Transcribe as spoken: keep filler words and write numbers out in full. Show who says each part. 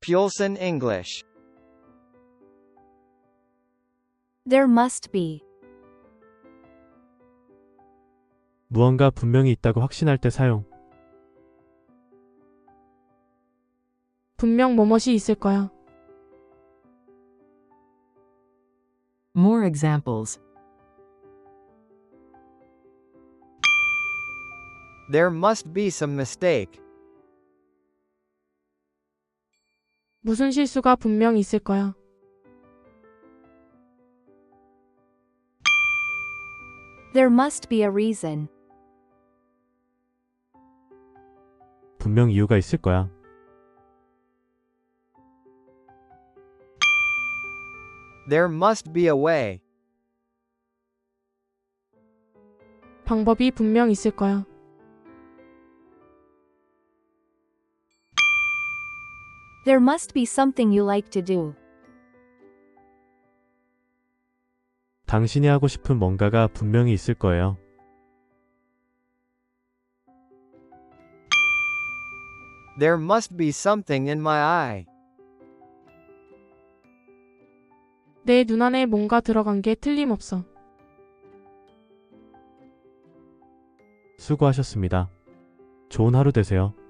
Speaker 1: Pulson English.
Speaker 2: There must be.
Speaker 3: 무언가 분명히 있다고 확신할 때 사용.
Speaker 4: 분명 뭐뭇이 있을 거야.
Speaker 5: More examples.
Speaker 1: There must be some mistake.
Speaker 4: 무슨 실수가 분명 있을 거야.
Speaker 2: There must be a reason.
Speaker 3: 분명 이유가 있을 거야.
Speaker 1: There must be a way.
Speaker 4: 방법이 분명 있을 거야.
Speaker 2: There must be something you like to do.
Speaker 3: 당신이 하고 싶은 뭔가가 분명히 있을 거예요.
Speaker 1: There must be something in my eye.
Speaker 4: 내 눈 안에 뭔가 들어간 게 틀림없어.
Speaker 3: 수고하셨습니다. 좋은 하루 되세요.